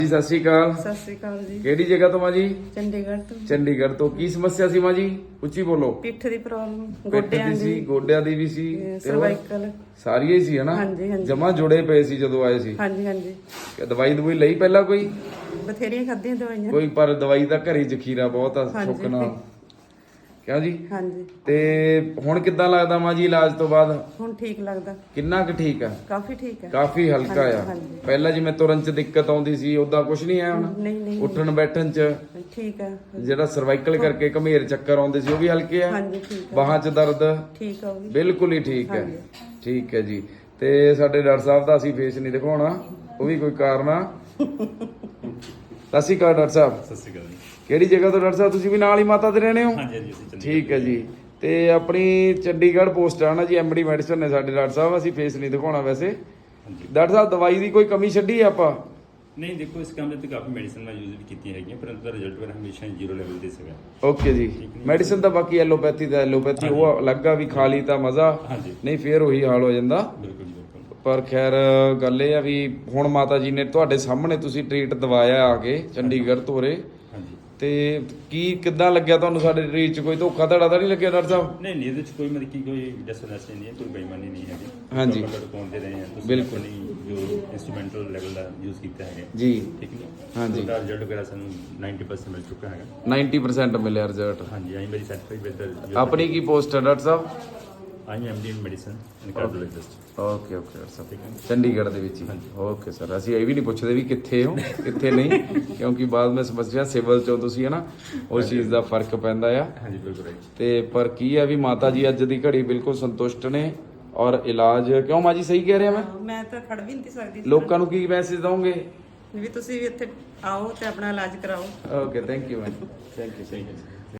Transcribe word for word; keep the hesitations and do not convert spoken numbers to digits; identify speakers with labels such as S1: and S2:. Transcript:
S1: ਜੀ ਸਤਿ ਸ਼੍ਰੀ ਅਕਾਲ।
S2: ਸਤਿ ਸ੍ਰੀ ਅਕਾਲ ਜੀ।
S1: ਕਿਹੜੀ ਜਗ੍ਹਾ ਤੋਂ ਮਾਂ ਜੀ?
S2: ਚੰਡੀਗੜ੍ਹ ਤੋਂ।
S1: ਚੰਡੀਗੜ੍ਹ ਤੋਂ। ਕੀ ਸਮੱਸਿਆ ਸੀ ਮਾਂ ਜੀ? ਉੱਚੀ ਬੋਲੋ।
S2: ਪਿੱਠ ਦੀ ਪ੍ਰੋਬਲਮ,
S1: ਪਿੱਠ
S2: ਗੋਡਿਆਂ
S1: ਦੀ ਸੀ,
S2: ਦੀ,
S1: ਗੋਡਿਆਂ ਦੀ ਵੀ ਸੀ,
S2: ਸਰਵਾਈਕਲ,
S1: ਸਾਰੀਆਂ ਹੀ ਸੀ ਹਨਾ?
S2: ਹਾਂਜੀ ਹਾਂਜੀ
S1: ਜਮਾ ਜੁੜੇ ਪਏ ਸੀ ਜਦੋਂ ਆਏ ਸੀ।
S2: ਹਾਂਜੀ ਹਾਂਜੀ
S1: ਕਿ ਦਵਾਈ ਦਵਾਈ ਲਈ ਪਹਿਲਾਂ ਕੋਈ?
S2: ਬਥੇਰੀਆਂ ਖਾਧੀਆਂ ਦਵਾਈਆਂ।
S1: ਕੋਈ ਪਰ ਦਵਾਈ ਦਾ ਘਰੀ ਜ਼ਖੀਰਾ ਬਹੁਤ ਆ
S2: ਹਾਂਜੀ।
S1: ਸੁੱਕਣਾ। ਕਿਉਂ ਜੀ?
S2: ਹਾਂਜੀ।
S1: ਤੇ ਹੁਣ ਕਿੱਦਾਂ ਲੱਗਦਾ ਮਾਂ ਜੀ ਇਲਾਜ ਤੋਂ ਬਾਅਦ?
S2: ਹੁਣ ਠੀਕ ਲੱਗਦਾ,
S1: ਕਿੰਨਾ ਕੁ ਠੀਕ ਆ?
S2: ਕਾਫੀ ਠੀਕ ਹੈ,
S1: ਕਾਫੀ ਹਲਕਾ
S2: ਹਾਂਜੀ,
S1: ਆ।
S2: ਹਾਂਜੀ।
S1: ਪਹਿਲਾਂ ਜਿਵੇਂ ਤੁਰਨ ਚ ਦਿੱਕਤ ਆਉਂਦੀ ਸੀ ਉਦਾਂ ਕੁਝ ਨਹੀਂ ਆ ਹੁਣ?
S2: ਨਹੀਂ ਨਹੀਂ
S1: ਉੱਠਣ ਬੈਠਣ ਚ
S2: ਠੀਕ ਹੈ।
S1: ਜਿਹੜਾ ਸਰਵਾਈਕਲ ਕਰਕੇ ਘਮੇਰ ਚੱਕਰ ਆਉਂਦੇ ਸੀ ਉਹ ਵੀ ਹਲਕੇ ਆ?
S2: ਹਾਂਜੀ ਠੀਕ ਹੈ।
S1: ਬਾਹਾਂ 'ਚ ਦਰਦ
S2: ਠੀਕ ਆ ਉਹ ਵੀ
S1: ਬਿਲਕੁਲ ਹੀ ਠੀਕ ਹੈ।
S2: ਹਾਂਜੀ।
S1: ਠੀਕ ਹੈ ਜੀ। ਤੇ ਸਾਡੇ ਡਾਕਟਰ ਸਾਹਿਬ ਦਾ ਅਸੀਂ ਫੇਸ ਨਹੀਂ ਦਿਖਾਉਣਾ, ਉਹ ਵੀ ਕੋਈ ਕਾਰਨ ਆ। ਸਤਿ ਸ਼੍ਰੀ ਅਕਾਲ ਡਾਕਟਰ ਸਾਹਿਬ।
S3: ਸਤਿ ਸ਼੍ਰੀ ਅਕਾਲ ਜੀ।
S1: ਕਿਹੜੀ ਜਗ੍ਹਾ ਤੋਂ ਡਾਕਟਰ ਸਾਹਿਬ? ਤੁਸੀਂ ਵੀ ਨਾਲ ਹੀ ਮਾਤਾ ਦੇ ਰਹਿਣੇ ਹੋ?
S3: ਹਾਂਜੀ ਹਾਂਜੀ ਅਸੀਂ ਚੰਡੀਗੜ੍ਹ
S1: ਠੀਕ ਹੈ ਜੀ। ਤੇ ਆਪਣੀ ਚੰਡੀਗੜ੍ਹ ਪੋਸਟ ਆ ਨਾ ਜੀ, ਐਮਡੀ ਮੈਡੀਸਨ ਨੇ ਸਾਡੇ ਡਾਕਟਰ ਸਾਹਿਬ। ਅਸੀਂ ਫੇਸ ਨਹੀਂ ਦਿਖਾਉਣਾ ਵੈਸੇ।
S3: ਹਾਂਜੀ।
S1: ਡਾਕਟਰ ਸਾਹਿਬ ਦਵਾਈ ਦੀ ਕੋਈ ਕਮੀ ਛੱਡੀ ਆ ਆਪਾਂ?
S3: ਨਹੀਂ ਦੇਖੋ, ਇਸ ਕੰਮ ਦੇ ਤੇ ਕਾਫੀ ਮੈਡੀਸਨ ਮੈਂ ਯੂਜ਼ ਵੀ ਕੀਤੀਆਂ ਹੈਗੀਆਂ, ਪਰ ਉਹਦਾ ਰਿਜ਼ਲਟ ਮੇਰਾ ਹਮੇਸ਼ਾ ਜ਼ੀਰੋ ਲੈਵਲ ਤੇ ਸੀਗਾ।
S1: ਓਕੇ ਜੀ। ਮੈਡੀਸਨ ਤਾਂ ਬਾਕੀ ਐਲੋਪੈਥੀ ਦਾ ਐਲੋਪੈਥੀ ਉਹ ਅਲੱਗ ਆ ਵੀ ਖਾ ਲਈ ਤਾਂ ਮਜ਼ਾ,
S3: ਹਾਂਜੀ
S1: ਨਹੀਂ ਫੇਰ ਉਹੀ ਹਾਲ ਹੋ ਜਾਂਦਾ।
S3: ਬਿਲਕੁਲ ਬਿਲਕੁਲ।
S1: ਪਰ ਖੈਰ ਗੱਲ ਇਹ ਆ ਵੀ ਹੁਣ ਮਾਤਾ ਜੀ ਨੇ ਤੁਹਾਡੇ ਸਾਹਮਣੇ ਤੁਸੀਂ ਟ੍ਰੀਟ ਦਵਾਇਆ ਆ ਕੇ ਚੰਡੀਗੜ੍ਹ ਤੋਂ ਉਰੇ,
S3: ਹਾਂਜੀ।
S1: ਤੇ ਕੀ ਕਿੱਦਾਂ ਲੱਗਿਆ ਤੁਹਾਨੂੰ? ਸਾਡੇ ਟ੍ਰੀਟ 'ਚ ਕੋਈ ਧੋਖਾ ਧੜਾ ਤਾਂ ਨਹੀਂ ਲੱਗਿਆ ਡਾਕਟਰ ਸਾਹਿਬ?
S3: ਨਹੀਂ ਨਹੀਂ, ਇਹਦੇ ਚ ਕੋਈ ਮਤਲਬ ਕਿ ਕੋਈ ਡਿਸਨੈਸ ਨਹੀਂ ਹੈ, ਕੋਈ ਬੇਈਮਾਨੀ ਨਹੀਂ ਹੈਗੀ।
S1: ਹਾਂਜੀ।
S3: ਪ੍ਰੋਪਰ ਪਹੁੰਚਦੇ ਰਹੇ ਹਾਂ ਤੁਸੀਂ,
S1: ਬਿਲਕੁਲ।
S3: ਆਪਣੀ ਜੋ ਇੰਸਟਰੂਮੈਂਟਲ ਲੈਵਲ ਦਾ ਯੂਜ਼ ਕੀਤਾ ਹੈਗਾ
S1: ਜੀ।
S3: ਠੀਕ ਹੈ।
S1: ਹਾਂਜੀ।
S3: ਉਹਦਾ ਰਿਜ਼ਲਟ ਵਗੈਰਾ ਸਾਨੂੰ ਨੱਬੇ ਪਰਸੈਂਟ ਮਿਲ ਚੁੱਕਾ ਹੈਗਾ।
S1: ਨਾਈਨਟੀ ਪਰਸੈਂਟ ਮਿਲਿਆ ਰਿਜ਼ਲਟ।
S3: ਹਾਂਜੀ, ਆਈ ਮੇਰੀ ਸੈਟੀਸਫਾਈਡ ਵਿਦ
S1: ਆਪਣੀ ਕੀ ਪੋਸਟ ਹੈ ਡਾਕਟਰ ਸਾਹਿਬ?
S3: I M D in medicine and cardiologist.
S1: Okay okay doctor ਸਾਹਿਬ, ਚੰਡੀਗੜ੍ਹ ਦੇ ਵਿੱਚ ਹੀ। ਓਕੇ ਸਰ, ਅਸੀਂ ਇਹ ਵੀ ਨਹੀਂ ਪੁੱਛਦੇ ਵੀ ਕਿੱਥੇ ਹੋ ਕਿੱਥੇ ਨਹੀਂ, ਕਿਉਂਕਿ ਬਾਅਦ ਵਿੱਚ ਸਮੱਸਿਆ ਸਿਵਲ ਚੋਂ ਤੁਸੀਂ ਹੈ ਨਾ, ਉਸ ਚੀਜ਼ ਦਾ ਫਰਕ ਪੈਂਦਾ ਆ।
S3: ਹਾਂਜੀ ਬਿਲਕੁਲ ਰਾਈਟ।
S1: ਤੇ ਪਰ ਕੀ ਆ ਵੀ ਮਾਤਾ ਜੀ ਅੱਜ ਦੀ ਘੜੀ ਬਿਲਕੁਲ ਸੰਤੁਸ਼ਟ ਨੇ, ਔਰ ਇਲਾਜ ਕਿਉਂ ਮਾਂ ਜੀ ਸਹੀ ਕਹਿ ਰਿਹਾ ਮੈਂ?
S2: ਮੈਂ ਤਾਂ ਖੜ ਵੀ ਨਹੀਂ ਸਕਦੀ।
S1: ਲੋਕਾਂ ਨੂੰ ਕੀ ਮੈਸੇਜ ਦਵਾਂਗੇ?
S2: ਵੀ ਤੁਸੀਂ ਵੀ ਇੱਥੇ ਆਓ ਤੇ ਆਪਣਾ ਇਲਾਜ ਕਰਾਓ।
S1: Okay, thank you ma'am, thank you thank you.